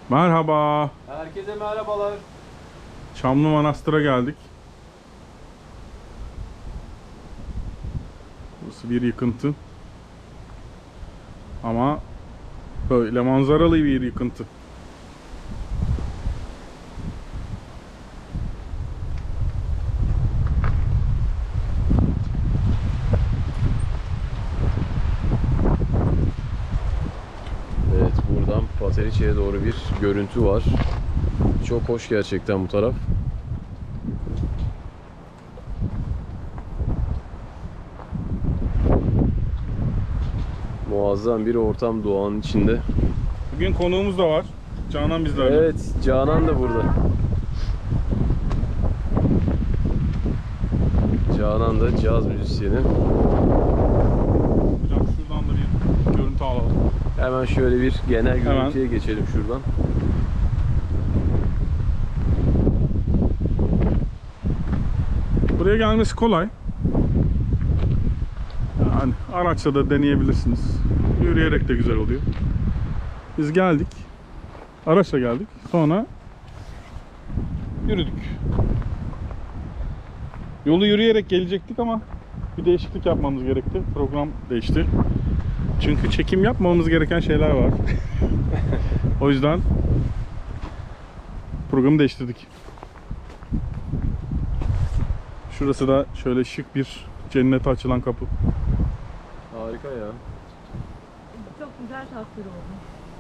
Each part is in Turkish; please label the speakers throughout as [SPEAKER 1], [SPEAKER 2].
[SPEAKER 1] Merhaba.
[SPEAKER 2] Herkese merhabalar.
[SPEAKER 1] Çamlı Manastır'a geldik. Burası bir yıkıntı. Ama böyle manzaralı bir yıkıntı.
[SPEAKER 2] Evet, buradan Pateriçe'ye doğru bir görüntü var. Çok hoş gerçekten bu taraf. Muazzam bir ortam doğanın içinde.
[SPEAKER 1] Bugün konuğumuz da var. Canan bizlerle.
[SPEAKER 2] Evet, Canan da burada. Canan da caz müzisyeni.
[SPEAKER 1] Hocam şuradan da bir görüntü alalım.
[SPEAKER 2] Hemen şöyle bir genel
[SPEAKER 1] Hemen.
[SPEAKER 2] görüntüye geçelim şuradan.
[SPEAKER 1] Buraya gelmesi kolay. Yani araçla da deneyebilirsiniz. Yürüyerek de güzel oluyor. Biz geldik. Araçla geldik. Sonra yürüdük. Yolu yürüyerek gelecektik ama bir değişiklik yapmamız gerekti. Program değişti. Çünkü çekim yapmamamız gereken şeyler var. O yüzden programı değiştirdik. Şurası da şöyle şık bir cennete açılan kapı.
[SPEAKER 2] Harika ya.
[SPEAKER 3] Çok güzel tasvir oldu.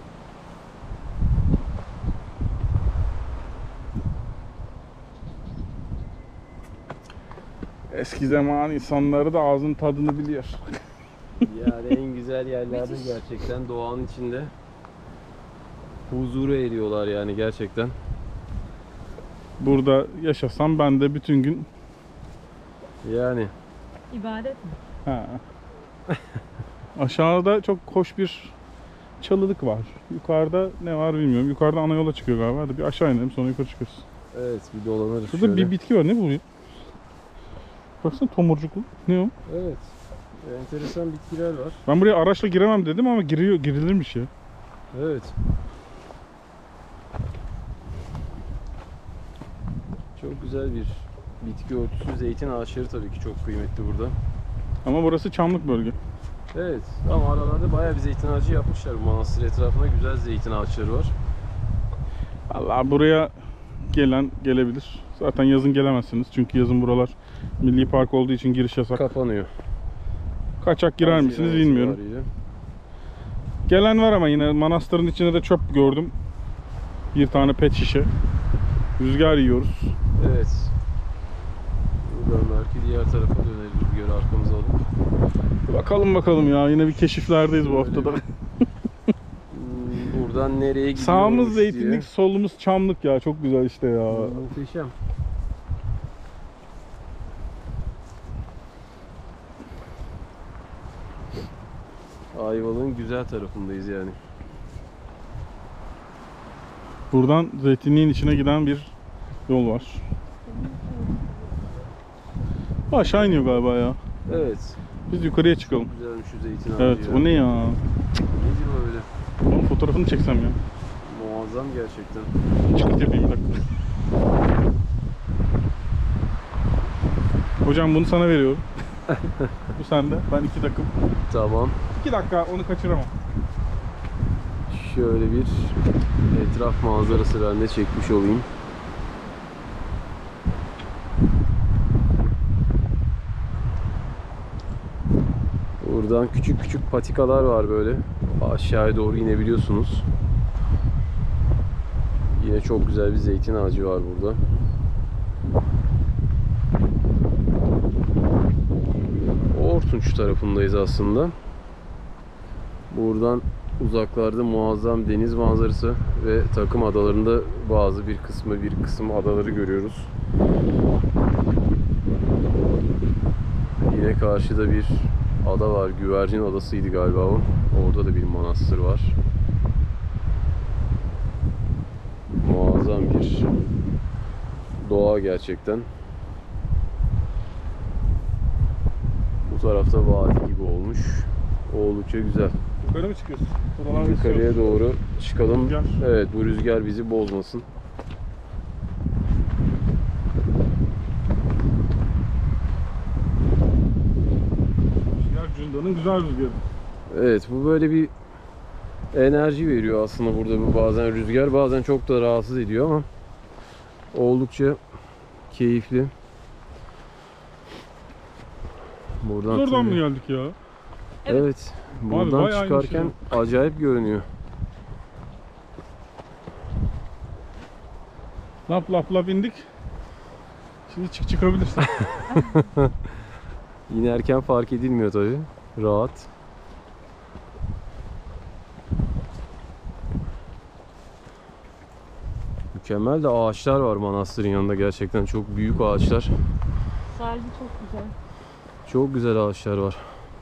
[SPEAKER 1] Eski zaman insanları da ağzın tadını biliyor.
[SPEAKER 2] Yani en güzel yerlerde gerçekten doğanın içinde huzura eriyorlar yani gerçekten.
[SPEAKER 1] Burada yaşasam ben de bütün gün
[SPEAKER 2] Yani
[SPEAKER 3] İbadet mi?
[SPEAKER 1] ha. Aşağıda çok hoş bir çalılık var. Yukarıda ne var bilmiyorum. Yukarıda ana yola çıkıyor galiba. Hadi bir aşağı inelim sonra yukarı çıkarız.
[SPEAKER 2] evet, bir dolanırız
[SPEAKER 1] Şurada
[SPEAKER 2] şöyle.
[SPEAKER 1] bir bitki var. Ne bu? Baksana tomurcuklu. Ne o?
[SPEAKER 2] Evet. Enteresan bitkiler var.
[SPEAKER 1] Ben buraya araçla giremem dedim ama girilirmiş ya.
[SPEAKER 2] Evet. Çok güzel bir bitki örtüsü. Zeytin ağaçları tabii ki çok kıymetli burada.
[SPEAKER 1] Ama burası çamlık bölge.
[SPEAKER 2] Evet. Ama aralarda bayağı bir zeytin ağacı yapmışlar. Bu manastır etrafında güzel zeytin ağaçları var.
[SPEAKER 1] Vallahi buraya gelen gelebilir. Zaten yazın gelemezsiniz. Çünkü yazın buralar milli park olduğu için giriş yasak.
[SPEAKER 2] Kapanıyor.
[SPEAKER 1] Kaçak girer
[SPEAKER 2] Haziran
[SPEAKER 1] misiniz bilmiyorum.
[SPEAKER 2] itibariyle.
[SPEAKER 1] Gelen var ama yine manastırın içinde de çöp gördüm. Bir tane pet şişe. Rüzgar yiyoruz.
[SPEAKER 2] Evet. Buradan belki diğer tarafa döneriz rüzgarı arkamıza alıp.
[SPEAKER 1] Bakalım ya. Yine bir keşiflerdeyiz bu
[SPEAKER 2] Öyle
[SPEAKER 1] haftada.
[SPEAKER 2] Buradan nereye gidiyoruz
[SPEAKER 1] Sağımız
[SPEAKER 2] diye.
[SPEAKER 1] zeytinlik, solumuz çamlık ya. Çok güzel işte ya.
[SPEAKER 2] Muhteşem. Ayvalık'ın güzel tarafındayız yani.
[SPEAKER 1] Buradan zeytinliğin içine giden bir yol var. Aşağı iniyor galiba ya.
[SPEAKER 2] Evet.
[SPEAKER 1] Biz yukarıya çıkalım.
[SPEAKER 2] Çok güzelmiş şu zeytin ağacı
[SPEAKER 1] Evet,
[SPEAKER 2] ya.
[SPEAKER 1] o ne ya?
[SPEAKER 2] Nedir o öyle?
[SPEAKER 1] Onun fotoğrafını çeksem ya.
[SPEAKER 2] Muazzam gerçekten.
[SPEAKER 1] Çıkıt yapayım bir dakika. Hocam bunu sana veriyorum. Bu sende. Ben 2 dakika.
[SPEAKER 2] Tamam.
[SPEAKER 1] 2 dakika onu kaçıramam.
[SPEAKER 2] Şöyle bir etraf manzarası ben de çekmiş olayım. Buradan küçük küçük patikalar var böyle. Aşağıya doğru inebiliyorsunuz. Yine çok güzel bir zeytin ağacı var burada. Ortunç tarafındayız aslında. Buradan uzaklarda muazzam deniz manzarası ve Takım Adaları'nda bir kısım adaları görüyoruz. Yine karşıda bir ada var. Güvercin Adası'ydı galiba o. Orada da bir manastır var. Muazzam bir doğa gerçekten. Bu tarafta vadi gibi olmuş. Oldukça güzel.
[SPEAKER 1] Yukarı mı çıkıyorsun? Buralar
[SPEAKER 2] Yukarıya doğru çıkalım.
[SPEAKER 1] Rüzgar.
[SPEAKER 2] Evet, bu rüzgar bizi bozmasın.
[SPEAKER 1] Rüzgar Cunda'nın güzel rüzgarı.
[SPEAKER 2] Evet, bu böyle bir enerji veriyor aslında burada, bu bazen rüzgar, bazen çok da rahatsız ediyor ama oldukça keyifli. Buradan
[SPEAKER 1] Oradan mı
[SPEAKER 2] tabii-
[SPEAKER 1] geldik ya?
[SPEAKER 2] Evet. Buradan
[SPEAKER 1] bayağı
[SPEAKER 2] çıkarken acayip görünüyor.
[SPEAKER 1] Lap lap lap indik. Şimdi çıkabilirsin.
[SPEAKER 2] İnerken fark edilmiyor tabii. Rahat. Mükemmel de ağaçlar var manastırın yanında, gerçekten çok büyük ağaçlar.
[SPEAKER 3] Sahili çok güzel.
[SPEAKER 2] Çok güzel ağaçlar var.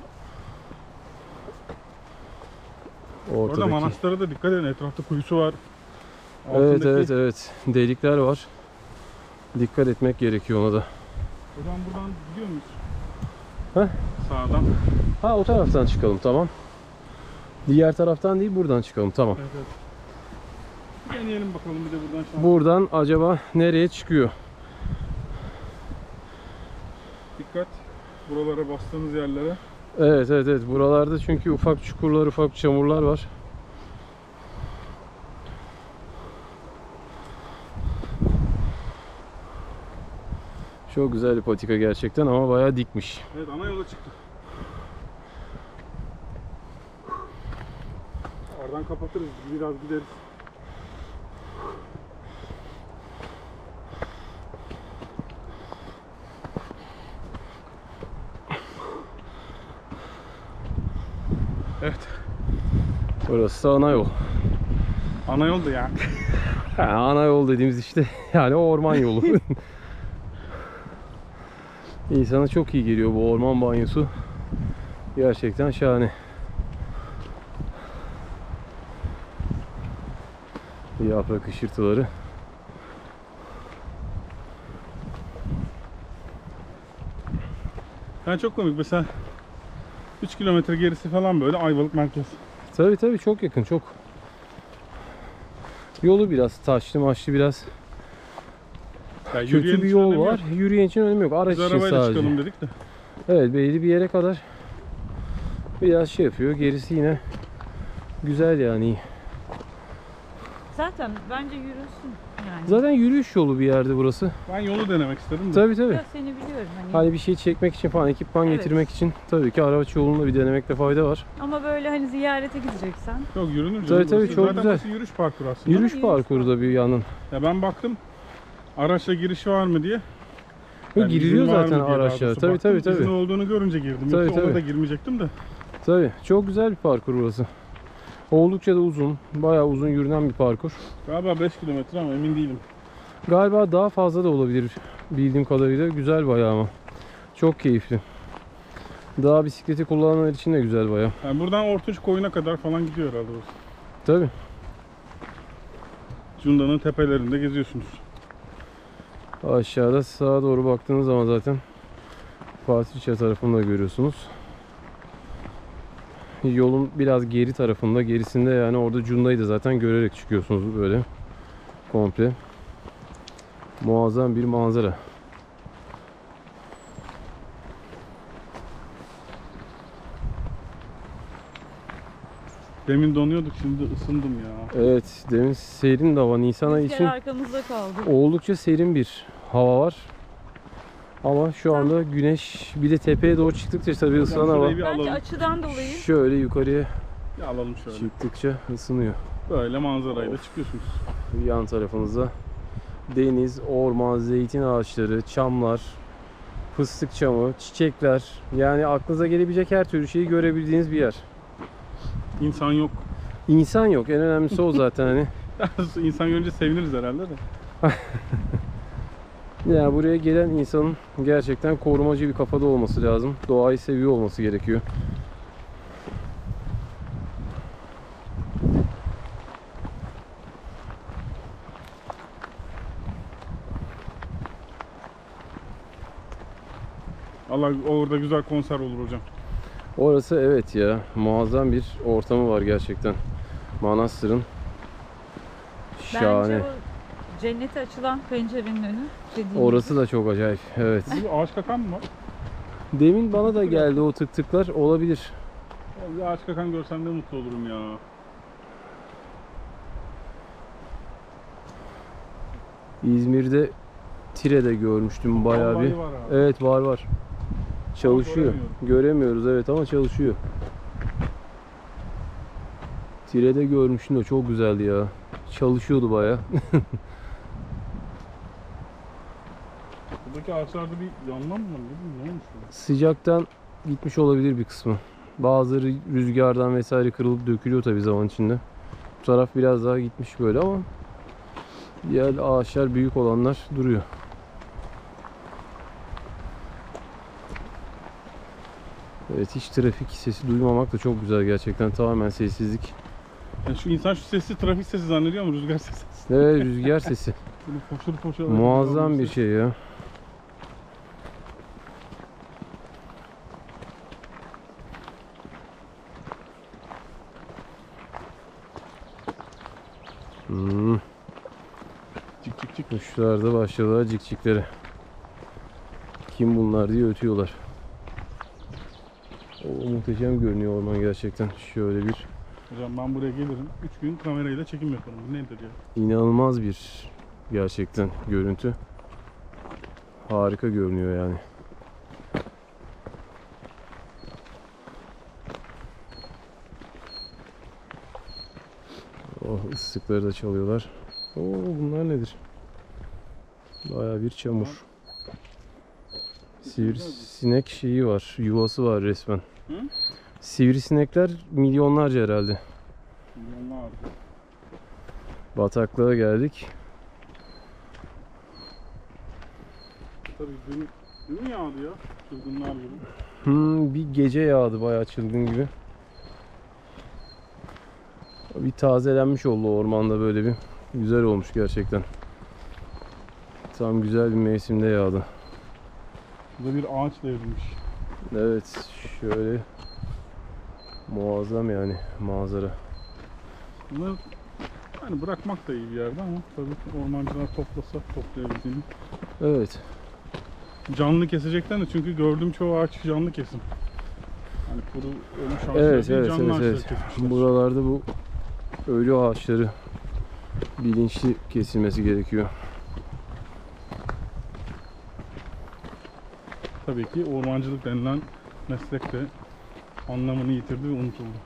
[SPEAKER 1] Orada
[SPEAKER 2] Ortadaki.
[SPEAKER 1] manastıra da dikkat edin. Etrafta kuyusu var.
[SPEAKER 2] Evet
[SPEAKER 1] Altındaki-
[SPEAKER 2] evet evet. Delikler var. Dikkat etmek gerekiyor ona da.
[SPEAKER 1] Hocam buradan gidiyor muyuz?
[SPEAKER 2] Heh.
[SPEAKER 1] Sağdan.
[SPEAKER 2] Ha, o taraftan çıkalım, tamam. Diğer taraftan değil, buradan çıkalım, tamam.
[SPEAKER 1] Evet, evet. Deneyelim bakalım bir de buradan şans.
[SPEAKER 2] Buradan acaba nereye çıkıyor?
[SPEAKER 1] Dikkat. Buralara bastığınız yerlere.
[SPEAKER 2] Evet evet evet. Buralarda çünkü ufak çukurlar, ufak çamurlar var. Çok güzel bir patika gerçekten ama bayağı dikmiş.
[SPEAKER 1] Evet, ana yola çıktık. Oradan kapatırız. Biraz gideriz. Evet.
[SPEAKER 2] Burası da ana yol.
[SPEAKER 1] Ana yoldu ya.
[SPEAKER 2] Ha, ana yol dediğimiz işte yani orman yolu. İnsana çok iyi geliyor bu orman banyosu. Gerçekten şahane. Yaprak ışırtıları.
[SPEAKER 1] Yani çok komik. Mesela 3 kilometre gerisi falan böyle Ayvalık merkez.
[SPEAKER 2] Tabii tabii, çok yakın, çok. Yolu biraz taşlı maçlı, biraz
[SPEAKER 1] Yani yürüyen
[SPEAKER 2] kötü bir
[SPEAKER 1] için
[SPEAKER 2] yol
[SPEAKER 1] önemi
[SPEAKER 2] var.
[SPEAKER 1] yok.
[SPEAKER 2] Yürüyen için önemi yok. Araç
[SPEAKER 1] Biz
[SPEAKER 2] için
[SPEAKER 1] arabayla
[SPEAKER 2] sadece.
[SPEAKER 1] çıkalım dedik de.
[SPEAKER 2] Evet, belli bir yere kadar biraz şey yapıyor. Gerisi yine güzel yani, iyi.
[SPEAKER 3] Zaten bence yürüsün yani.
[SPEAKER 2] Zaten yürüyüş yolu bir yerde burası.
[SPEAKER 1] Ben yolu denemek istedim de.
[SPEAKER 2] Tabii tabii.
[SPEAKER 3] Ya seni biliyorum hani.
[SPEAKER 2] Hani bir şey çekmek için falan, ekipman
[SPEAKER 3] Evet.
[SPEAKER 2] getirmek için tabii ki araç yolunda bir denemekte fayda var.
[SPEAKER 3] Ama böyle hani ziyarete gideceksen.
[SPEAKER 1] Yok, yürünür.
[SPEAKER 2] Tabii, tabii,
[SPEAKER 1] Burası
[SPEAKER 2] çok
[SPEAKER 1] zaten
[SPEAKER 2] güzel.
[SPEAKER 1] burası yürüyüş parkuru aslında.
[SPEAKER 2] Yürüyüş
[SPEAKER 3] yürüyüş
[SPEAKER 2] parkuru da bir yanın.
[SPEAKER 1] Ya ben baktım. Araçla giriş var mı diye. Yani
[SPEAKER 2] Giriliyor
[SPEAKER 1] izin var
[SPEAKER 2] zaten
[SPEAKER 1] mı diye daha
[SPEAKER 2] araçlara.
[SPEAKER 1] doğrusu
[SPEAKER 2] Tabii
[SPEAKER 1] baktım.
[SPEAKER 2] tabii tabii.
[SPEAKER 1] İzin olduğunu görünce girdim.
[SPEAKER 2] Tabii,
[SPEAKER 1] Yoksa ona
[SPEAKER 2] tabii.
[SPEAKER 1] da girmeyecektim de.
[SPEAKER 2] Tabii. Çok güzel bir parkur burası. Oldukça da uzun. Bayağı uzun yürünen bir parkur.
[SPEAKER 1] Galiba 5 kilometre ama emin değilim.
[SPEAKER 2] Galiba daha fazla da olabilir bildiğim kadarıyla. Güzel bayağı ama. Çok keyifli. Dağ bisikleti kullananlar için de güzel bayağı.
[SPEAKER 1] Yani buradan Ortuç koyuna kadar falan gidiyor herhalde burası.
[SPEAKER 2] Tabii.
[SPEAKER 1] Cunda'nın tepelerinde geziyorsunuz.
[SPEAKER 2] Aşağıda sağa doğru baktığınız zaman zaten Fatihçe tarafını da görüyorsunuz. Yolun biraz geri tarafında, gerisinde yani orada Cunda'yı da zaten görerek çıkıyorsunuz böyle komple. Muazzam bir manzara.
[SPEAKER 1] Demin donuyorduk, şimdi ısındım ya.
[SPEAKER 2] Evet, demin serin de hava, Nisan ayı
[SPEAKER 3] Rüzgar
[SPEAKER 2] için
[SPEAKER 3] arkamızda kaldı.
[SPEAKER 2] oldukça serin bir hava var. Ama şu anda güneş, bir de tepeye doğru çıktıkça tabii ısınan hava
[SPEAKER 1] şurayı bir
[SPEAKER 3] Bence
[SPEAKER 1] alalım.
[SPEAKER 3] açıdan dolayı.
[SPEAKER 2] şöyle yukarıya
[SPEAKER 1] Bir alalım şöyle.
[SPEAKER 2] çıktıkça ısınıyor.
[SPEAKER 1] Böyle manzarayla çıkıyorsunuz.
[SPEAKER 2] Yan tarafınızda deniz, orman, zeytin ağaçları, çamlar, fıstık çamı, çiçekler. Yani aklınıza gelebilecek her türlü şeyi görebildiğiniz bir yer.
[SPEAKER 1] İnsan yok.
[SPEAKER 2] İnsan yok. En önemlisi o zaten hani.
[SPEAKER 1] İnsan görünce seviniriz herhalde de.
[SPEAKER 2] Yani buraya gelen insanın gerçekten korumacı bir kafada olması lazım. Doğayı seviyor olması gerekiyor.
[SPEAKER 1] Allah, orada güzel konser olur hocam.
[SPEAKER 2] Orası evet ya, muazzam bir ortamı var gerçekten. Manastırın. Şahane.
[SPEAKER 3] Bence o cennete açılan pencerenin önü. dediğim
[SPEAKER 2] Orası da çok acayip. Evet.
[SPEAKER 1] Bir ağaç kakan mı var?
[SPEAKER 2] Demin bana da geldi o tık tıklar, olabilir.
[SPEAKER 1] Ya bir ağaç kakan görsem de mutlu olurum ya.
[SPEAKER 2] İzmir'de Tire'de görmüştüm bayağı
[SPEAKER 1] Vallahi
[SPEAKER 2] bir.
[SPEAKER 1] var abi.
[SPEAKER 2] Evet, var. Çalışıyor.
[SPEAKER 1] göremiyorum.
[SPEAKER 2] Göremiyoruz evet ama çalışıyor. Tire'de görmüştüm de çok güzeldi ya. Çalışıyordu bayağı.
[SPEAKER 1] Buradaki ağaçlarda bir yanma mı var? Ne olmuş burada?
[SPEAKER 2] Sıcaktan gitmiş olabilir bir kısmı. Bazıları rüzgardan vesaire kırılıp dökülüyor tabii zaman içinde. Bu taraf biraz daha gitmiş böyle ama diğer ağaçlar, büyük olanlar duruyor. Evet, hiç trafik sesi duymamak da çok güzel gerçekten. Tamamen sessizlik.
[SPEAKER 1] Yani şu insan şu sesi trafik sesi zannediyor ama rüzgar sesi.
[SPEAKER 2] Evet, rüzgar sesi.
[SPEAKER 1] Böyle foşur foşur.
[SPEAKER 2] Muazzam bir şey ya.
[SPEAKER 1] Çık çık çık.
[SPEAKER 2] Kuşlar da başladılar cikciklere. Kim bunlar diye ötüyorlar. O muhteşem görünüyor orman gerçekten. Şöyle bir
[SPEAKER 1] Hocam ben buraya gelirim. 3 gün kamerayla çekim yaparım. Bu nedir ya?
[SPEAKER 2] inanılmaz bir gerçekten görüntü. Harika görünüyor yani. Oh, ıslıkları da çalıyorlar. Oo, bunlar nedir? Bayağı bir çamur. Sivrisinek şeyi var, yuvası var resmen.
[SPEAKER 1] Hı?
[SPEAKER 2] Sivrisinekler milyonlarca herhalde.
[SPEAKER 1] Milyonlar.
[SPEAKER 2] Bataklığa geldik.
[SPEAKER 1] Tabii dün yağdı ya. Çılgınlar gibi.
[SPEAKER 2] Bir gece yağdı bayağı çılgın gibi. Bir tazelenmiş oldu ormanda, böyle bir güzel olmuş gerçekten. Tam güzel bir mevsimde yağdı.
[SPEAKER 1] Burada bir ağaç devrilmiş.
[SPEAKER 2] Evet, şöyle muazzam yani manzara.
[SPEAKER 1] Bunları yani bırakmak da iyi bir yerde ama tabii ormancılar toplasa toplayabildiğini.
[SPEAKER 2] Evet.
[SPEAKER 1] Canlı kesekten de çünkü gördüğüm çoğu ağaç canlı kesim. Yani kuru ölmüş ağaçlar
[SPEAKER 2] Evet,
[SPEAKER 1] değil,
[SPEAKER 2] evet,
[SPEAKER 1] canlı
[SPEAKER 2] evet,
[SPEAKER 1] ağaçları
[SPEAKER 2] evet.
[SPEAKER 1] kesmişler.
[SPEAKER 2] Buralarda bu ölü ağaçları bilinçli kesilmesi gerekiyor.
[SPEAKER 1] Tabii ki ormancılık denilen meslek de anlamını yitirdi ve unutuldu.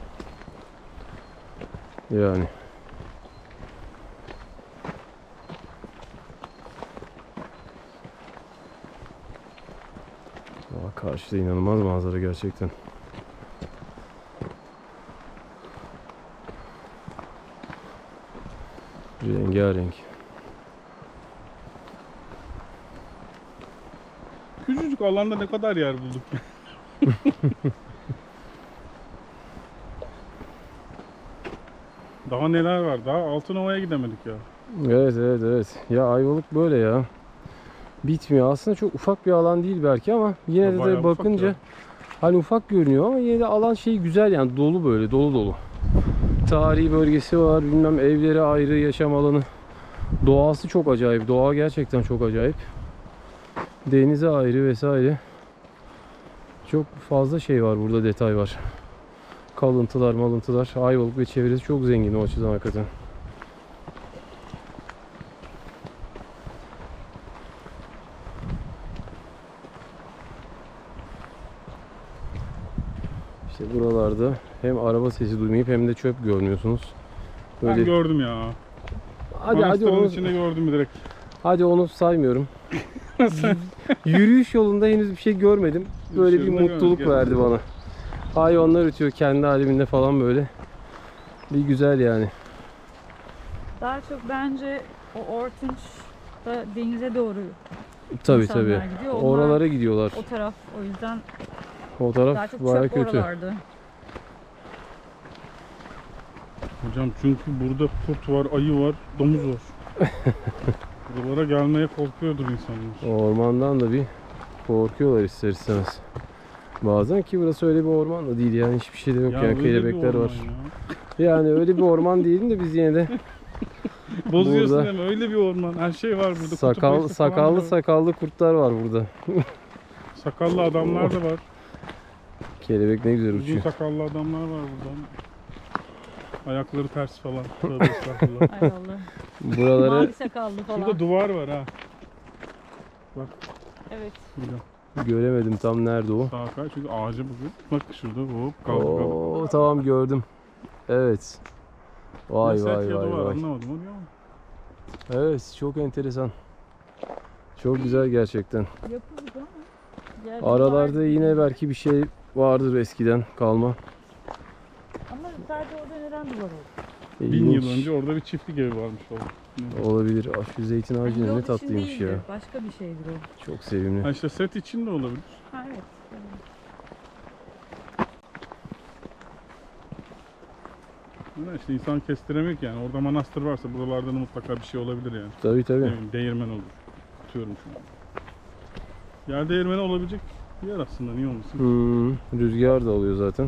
[SPEAKER 2] Yani. Karşıda inanılmaz manzara gerçekten. Rengarenk.
[SPEAKER 1] Küçücük alanda ne kadar yer bulduk. Daha neler var? Daha Altınova'ya gidemedik ya.
[SPEAKER 2] Evet, evet, evet. Ya Ayvalık böyle ya. Bitmiyor. Aslında çok ufak bir alan değil belki ama yine
[SPEAKER 1] Ya
[SPEAKER 2] de
[SPEAKER 1] bayağı
[SPEAKER 2] tabii
[SPEAKER 1] ufak
[SPEAKER 2] bakınca
[SPEAKER 1] ya.
[SPEAKER 2] hani ufak görünüyor ama yine de alan şey güzel yani, dolu, böyle dolu dolu. Tarihi bölgesi var, bilmem evleri ayrı, yaşam alanı. Doğası çok acayip. Doğa gerçekten çok acayip. Denize ayrı vesaire. Çok fazla şey var burada, detay var. Kalıntılar, malıntılar. Ayvalık ve çevresi çok zengin o açıdan hakikaten. İşte buralarda hem araba sesi duymayıp hem de çöp görmüyorsunuz.
[SPEAKER 1] Ben gördüm ya.
[SPEAKER 2] hadi
[SPEAKER 1] Manastırın
[SPEAKER 2] onu,
[SPEAKER 1] içinde gördüm direkt.
[SPEAKER 2] hadi onu saymıyorum. Yürüyüş yolunda henüz bir şey görmedim. Böyle bir
[SPEAKER 1] Yürüyüş yolunda
[SPEAKER 2] mutluluk
[SPEAKER 1] görmedik,
[SPEAKER 2] verdi bana. Hayvanlar ötüyor kendi aleminde falan böyle. Bir güzel yani.
[SPEAKER 3] Daha çok bence o Ortunç da denize doğru
[SPEAKER 2] Tabii
[SPEAKER 3] İnsanlar
[SPEAKER 2] tabii.
[SPEAKER 3] gidiyor, onlar-
[SPEAKER 2] Oralara gidiyorlar.
[SPEAKER 3] o taraf. O yüzden
[SPEAKER 2] O
[SPEAKER 3] daha
[SPEAKER 2] taraf
[SPEAKER 3] çok
[SPEAKER 2] bayağı
[SPEAKER 3] çöp
[SPEAKER 2] kötü.
[SPEAKER 3] oralarda.
[SPEAKER 1] Hocam çünkü burada kurt var, ayı var, domuz var. Buralara gelmeye korkuyordur insanlar.
[SPEAKER 2] Ormandan da bir korkuyorlar ister istemez. Bazen ki burası öyle bir orman da değil yani hiçbir şey de yok yani
[SPEAKER 1] öyle bir
[SPEAKER 2] kelebekler
[SPEAKER 1] orman
[SPEAKER 2] var.
[SPEAKER 1] ya.
[SPEAKER 2] Yani öyle bir orman değil de biz yine de
[SPEAKER 1] Bozuyorsun
[SPEAKER 2] Burada-
[SPEAKER 1] değil mi? Öyle bir orman. Her şey var burada. Kutup ayısı falan
[SPEAKER 2] sakallı
[SPEAKER 1] da var.
[SPEAKER 2] sakallı kurtlar var burada.
[SPEAKER 1] Sakallı adamlar da var.
[SPEAKER 2] Kelebek ne güzel
[SPEAKER 1] Uzun
[SPEAKER 2] uçuyor.
[SPEAKER 1] sakallı adamlar var burada. Ayakları ters falan. Tövbe estağfurullah.
[SPEAKER 3] Ay Allah.
[SPEAKER 2] Buraları
[SPEAKER 3] Mavi sakallı falan.
[SPEAKER 1] Şurada duvar var ha.
[SPEAKER 3] Evet.
[SPEAKER 1] Burada.
[SPEAKER 2] göremedim tam nerede o.
[SPEAKER 1] Sağa kay çünkü ağacı bugün. Bak şurada hop kaldı.
[SPEAKER 2] Oo, tamam gördüm. Evet. Vay
[SPEAKER 1] Ceset
[SPEAKER 2] vay
[SPEAKER 1] ya
[SPEAKER 2] vay
[SPEAKER 1] duvar,
[SPEAKER 2] vay.
[SPEAKER 1] anlamadım onu ya.
[SPEAKER 2] Evet çok enteresan. Çok güzel gerçekten.
[SPEAKER 3] Yapı bu ama. Yerde
[SPEAKER 2] Aralarda
[SPEAKER 3] var.
[SPEAKER 2] yine belki bir şey vardır eskiden kalma.
[SPEAKER 3] Ama sadece orada neden duvar oldu?
[SPEAKER 1] 1000 yıl
[SPEAKER 2] İlginç.
[SPEAKER 1] önce orada bir çiftlik evi varmış orada.
[SPEAKER 2] Olabilir. Ah, şu zeytin
[SPEAKER 3] Yani
[SPEAKER 2] ağacı
[SPEAKER 3] yol
[SPEAKER 2] ne
[SPEAKER 3] için
[SPEAKER 2] tatlıymış ya.
[SPEAKER 3] değildir, başka bir şeydir o.
[SPEAKER 2] Çok sevimli.
[SPEAKER 1] Ha işte set için de olabilir.
[SPEAKER 3] Ha evet.
[SPEAKER 1] Yani işte insan kestiremiyor ki yani. Orada manastır varsa buralarda da mutlaka bir şey olabilir yani.
[SPEAKER 2] Tabii
[SPEAKER 1] Ne
[SPEAKER 2] tabii.
[SPEAKER 1] bileyim, değirmen olur. Tutuyorum şu an. Yer değirmeni olabilecek bir yer aslında, niye olmasın?
[SPEAKER 2] Rüzgar da alıyor zaten.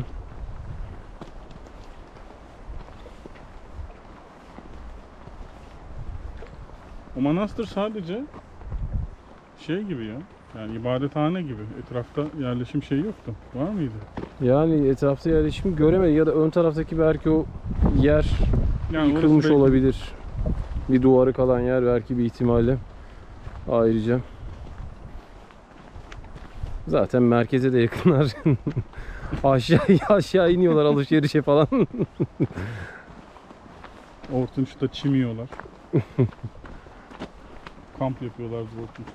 [SPEAKER 1] O manastır sadece şey gibi ya. Yani ibadethane gibi. Etrafta yerleşim şeyi yoktu. Var mıydı?
[SPEAKER 2] Yani etrafta yerleşim göremedim ya da ön taraftaki belki o yer
[SPEAKER 1] Yani orası
[SPEAKER 2] yıkılmış
[SPEAKER 1] belki-
[SPEAKER 2] olabilir. Bir duvarı kalan yer belki bir ihtimalle. Ayrıca. Zaten merkeze de yakınlar. aşağı iniyorlar alışverişe falan.
[SPEAKER 1] Ortunç'ta çim yiyorlar. Kamp yapıyorlar Ortunç.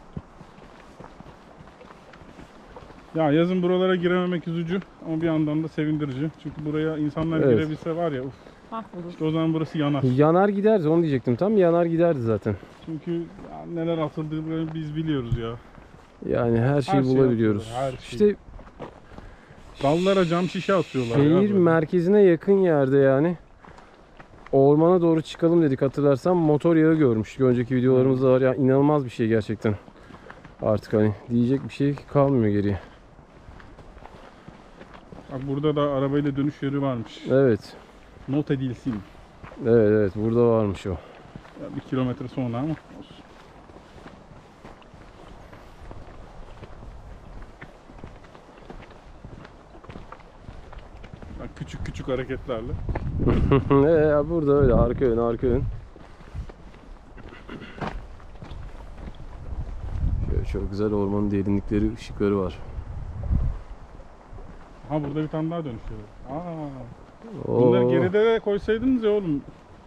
[SPEAKER 1] Ya yazın buralara girememek üzücü ama bir yandan da sevindirici. Çünkü buraya insanlar
[SPEAKER 2] Evet.
[SPEAKER 1] girebilse var ya,
[SPEAKER 3] Mahvolur.
[SPEAKER 1] işte o zaman burası yanar.
[SPEAKER 2] Yanar giderdi onu diyecektim. Tam yanar giderdi zaten.
[SPEAKER 1] Çünkü ya neler atıldığını biz biliyoruz ya.
[SPEAKER 2] Yani her şeyi
[SPEAKER 1] Her şeyi
[SPEAKER 2] bulabiliyoruz.
[SPEAKER 1] atıyorlar, her
[SPEAKER 2] İşte
[SPEAKER 1] Dallara cam şişe atıyorlar ya.
[SPEAKER 2] şehir
[SPEAKER 1] böyle.
[SPEAKER 2] merkezine yakın yerde yani. Ormana doğru çıkalım dedik hatırlarsan motor yağı görmüştük. Önceki videolarımızda var ya inanılmaz bir şey gerçekten. Artık hani diyecek bir şey kalmıyor geriye.
[SPEAKER 1] Bak burada da arabayla dönüş yeri varmış.
[SPEAKER 2] Evet.
[SPEAKER 1] Not edilsin.
[SPEAKER 2] Evet evet burada varmış o.
[SPEAKER 1] Ya 1 kilometre sonra ama olsun. Bak küçük küçük hareketlerle.
[SPEAKER 2] Burada öyle arka ön arka ön. Şöyle çok güzel ormanın derinlikleri, ışıkları var.
[SPEAKER 1] Ha burada bir tane daha dönüş yeri. Bunları
[SPEAKER 2] Oo.
[SPEAKER 1] geride de koysaydınız ya oğlum.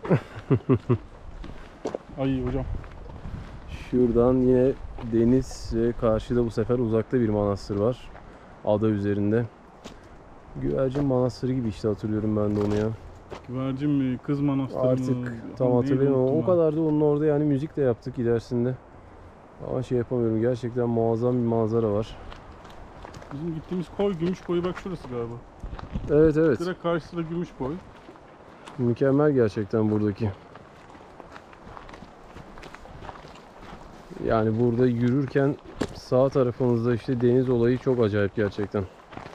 [SPEAKER 1] Ay hocam.
[SPEAKER 2] Şuradan yine deniz ve karşıda bu sefer uzakta bir manastır var. Ada üzerinde. Güvercin Manastırı gibi işte hatırlıyorum ben de onu ya.
[SPEAKER 1] Güvercin mi? Kız manastırı mı?
[SPEAKER 2] Artık tam
[SPEAKER 1] Neydi,
[SPEAKER 2] hatırlayamıyorum ama o
[SPEAKER 1] unuttum
[SPEAKER 2] kadar da onun orada yani müzik de yaptık ilerisinde. Ama şey yapamıyorum gerçekten muazzam bir manzara var.
[SPEAKER 1] ben. Bizim gittiğimiz koy, gümüş koyu bak şurası galiba.
[SPEAKER 2] Evet evet
[SPEAKER 1] Direkt karşısında gümüş koy.
[SPEAKER 2] mükemmel gerçekten buradaki. Yani burada yürürken sağ tarafınızda işte deniz olayı çok acayip gerçekten.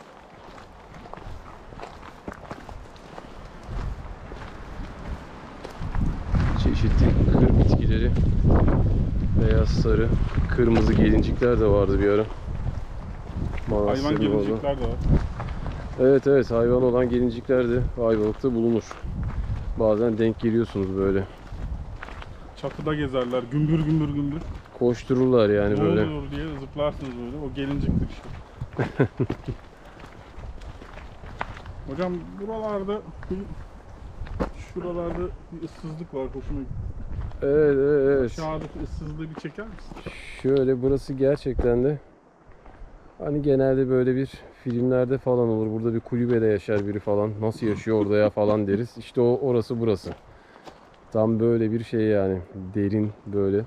[SPEAKER 2] Çeşitli kır bitkileri, beyaz, sarı, kırmızı gelincikler de vardı bir ara.
[SPEAKER 1] Hayvan
[SPEAKER 2] Manastırın orada.
[SPEAKER 1] gelincikler de var.
[SPEAKER 2] Evet evet hayvan olan gelincikler de Ayvalık'ta bulunur. Bazen denk geliyorsunuz böyle.
[SPEAKER 1] Çatıda gezerler. Gümbür gümbür gümbür.
[SPEAKER 2] Koştururlar yani
[SPEAKER 1] Ne
[SPEAKER 2] böyle.
[SPEAKER 1] oluyor diye zıplarsınız böyle. O gelinciktir işte. Hocam şuralarda bir ıssızlık var. Hoşuma gitti.
[SPEAKER 2] Evet evet evet.
[SPEAKER 1] Aşağıdaki ıssızlığı bir çeker misin?
[SPEAKER 2] Şöyle burası gerçekten de hani genelde böyle bir filmlerde falan olur. Burada bir kulübede yaşar biri falan. Nasıl yaşıyor orada ya falan deriz. İşte orası burası. Tam böyle bir şey yani. Derin böyle.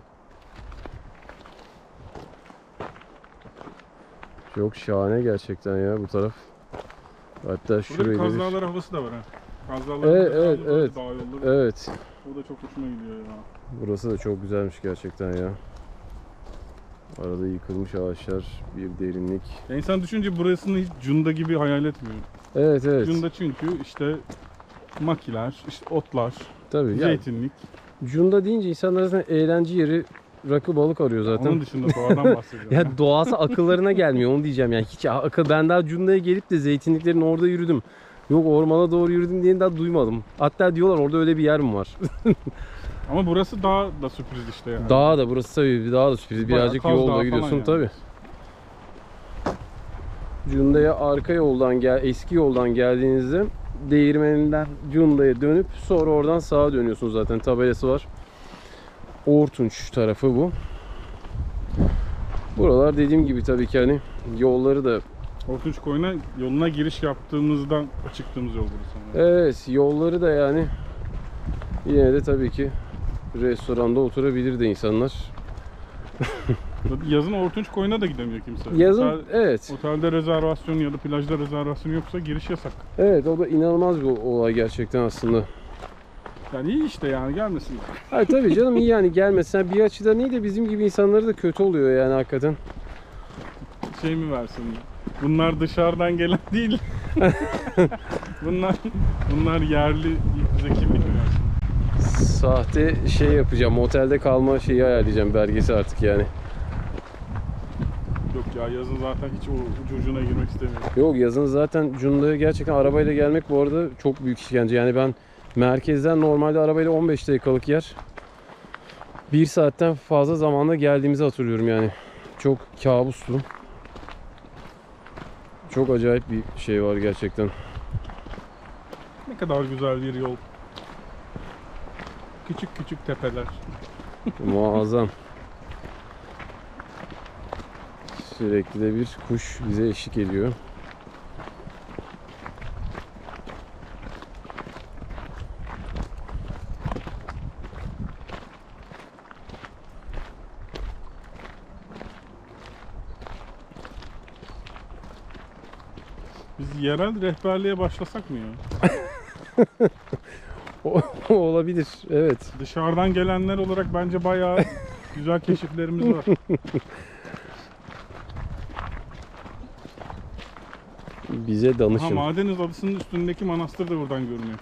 [SPEAKER 2] Çok şahane gerçekten ya bu taraf. Hatta
[SPEAKER 1] Burada bir
[SPEAKER 2] şurayı
[SPEAKER 1] Kaz
[SPEAKER 2] da bir...
[SPEAKER 1] Dağları havası da var ha. Kaz Dağları
[SPEAKER 2] Evet,
[SPEAKER 1] havası
[SPEAKER 2] evet,
[SPEAKER 1] da böyle
[SPEAKER 2] evet.
[SPEAKER 1] dağ yolları.
[SPEAKER 2] Evet.
[SPEAKER 1] O da çok hoşuma gidiyor ya.
[SPEAKER 2] Burası da çok güzelmiş gerçekten ya. Arada yıkılmış ağaçlar, bir derinlik.
[SPEAKER 1] Ya insan düşünce burasını hiç Cunda gibi hayal etmiyor.
[SPEAKER 2] Evet evet.
[SPEAKER 1] Cunda çünkü işte makiler, işte otlar,
[SPEAKER 2] Tabii. Yani,
[SPEAKER 1] zeytinlik.
[SPEAKER 2] Cunda deyince insanlar zaten eğlence yeri, rakı balık arıyor zaten.
[SPEAKER 1] Onun dışında doğadan bahsediyorum.
[SPEAKER 2] Ya doğası akıllarına gelmiyor, onu diyeceğim yani. Hiç akıl, ben daha Cunda'ya gelip de zeytinliklerin orada yürüdüm. Yok ormana doğru yürüdüm diye daha duymadım. Hatta diyorlar orada öyle bir yer mi var?
[SPEAKER 1] Ama burası daha da sürpriz işte yani.
[SPEAKER 2] Dağ da burası tabii daha da sürpriz.
[SPEAKER 1] Bayağı
[SPEAKER 2] Birazcık
[SPEAKER 1] Kaz Dağı
[SPEAKER 2] yolda
[SPEAKER 1] falan
[SPEAKER 2] gidiyorsun
[SPEAKER 1] yani.
[SPEAKER 2] tabii. Cunda'ya arka yoldan eski yoldan geldiğinizde Değirmeninden Cunda'ya dönüp sonra oradan sağa dönüyorsunuz zaten, tabelası var. Ortunç tarafı bu. Buralar dediğim gibi tabii ki hani yolları da,
[SPEAKER 1] Ortunç Koyun'a yoluna giriş yaptığımızdan çıktığımız yol burası.
[SPEAKER 2] evet yolları da yani yine de tabii ki restoranda oturabilir de insanlar.
[SPEAKER 1] Yazın Ortunç Koyun'a da gidemiyor kimse.
[SPEAKER 2] Yazın evet.
[SPEAKER 1] Otelde rezervasyon ya da plajda rezervasyon yoksa giriş yasak.
[SPEAKER 2] Evet, o da inanılmaz bir olay gerçekten aslında.
[SPEAKER 1] Yani iyi işte yani gelmesinler.
[SPEAKER 2] Hayır tabii canım, iyi yani gelmesen bir açıdan iyi de bizim gibi insanları da kötü oluyor yani hakikaten.
[SPEAKER 1] Şey mi versin? Bunlar dışarıdan gelen değil. bunlar yerli bize kimlik mi versin?
[SPEAKER 2] Sahte şey yapacağım, otelde kalma şeyi ayarlayacağım, belgesi artık yani.
[SPEAKER 1] Yok ya yazın zaten hiç o ucu ucuna girmek istemiyorum.
[SPEAKER 2] Yok yazın zaten Cunda'ya gerçekten arabayla gelmek bu arada çok büyük işkence. Yani ben merkezden normalde arabayla 15 dakikalık yer 1 saatten fazla zamanda geldiğimizi hatırlıyorum yani. Çok kabustu. Çok acayip bir şey var gerçekten.
[SPEAKER 1] Ne kadar güzel bir yol. Küçük küçük tepeler.
[SPEAKER 2] Muazzam. Sürekli de bir kuş bize eşlik ediyor.
[SPEAKER 1] Biz yerel rehberliğe başlasak mı ya?
[SPEAKER 2] Olabilir, evet.
[SPEAKER 1] Dışarıdan gelenler olarak bence bayağı güzel keşiflerimiz var.
[SPEAKER 2] Bize danışın.
[SPEAKER 1] Madeniz Adası'nın üstündeki manastır da buradan görünüyor.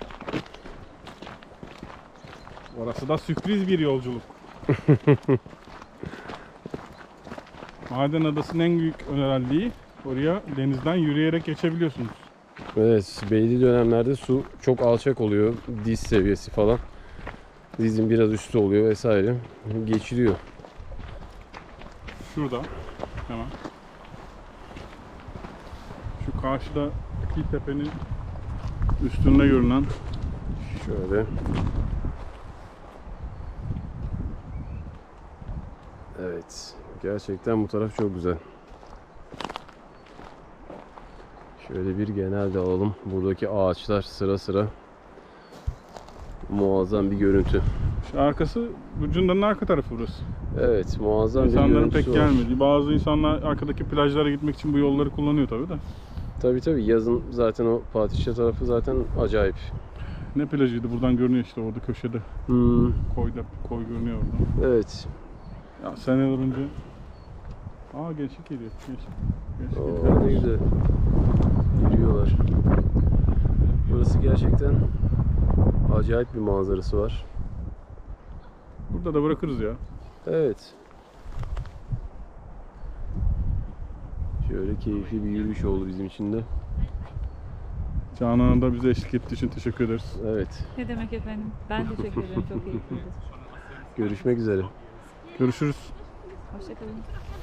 [SPEAKER 1] Orası da sürpriz bir yolculuk. Maden Adası'nın en büyük özelliği, oraya denizden yürüyerek geçebiliyorsunuz.
[SPEAKER 2] Evet, belli dönemlerde su çok alçak oluyor. Diz seviyesi falan. Dizin biraz üstü oluyor vesaire. Geçiliyor.
[SPEAKER 1] Şurada hemen. Şu karşıdaki tepenin üstünde görünen
[SPEAKER 2] Şöyle. Evet. Gerçekten bu taraf çok güzel. Şöyle bir genel de alalım. Buradaki ağaçlar sıra sıra. Muazzam bir görüntü.
[SPEAKER 1] şu arkası, bu Cunda'nın arka tarafı burası.
[SPEAKER 2] Evet, muazzam bir
[SPEAKER 1] İnsanların
[SPEAKER 2] görüntüsü
[SPEAKER 1] pek
[SPEAKER 2] var.
[SPEAKER 1] gelmediği. Bazı insanlar arkadaki plajlara gitmek için bu yolları kullanıyor tabii de.
[SPEAKER 2] Tabii yazın zaten o Fatihçe tarafı zaten acayip.
[SPEAKER 1] Ne plajıydı? Buradan görünüyor işte orada köşede. Koy görünüyor orada.
[SPEAKER 2] Evet.
[SPEAKER 1] Ya seneler önce. Gençlik geliyor. Gençlik
[SPEAKER 2] Oo, ne güzel. Yürüyorlar. Burası gerçekten acayip bir manzarası var.
[SPEAKER 1] Burada da bırakırız ya.
[SPEAKER 2] Evet. Şöyle keyifli bir yürüyüş oldu bizim için de.
[SPEAKER 1] Canan da bize eşlik ettiği için teşekkür ederiz.
[SPEAKER 2] Evet.
[SPEAKER 3] Ne demek efendim? Ben teşekkür ederim. Çok keyifliydi.
[SPEAKER 2] Görüşmek üzere.
[SPEAKER 1] Görüşürüz.
[SPEAKER 3] Hoşçakalın.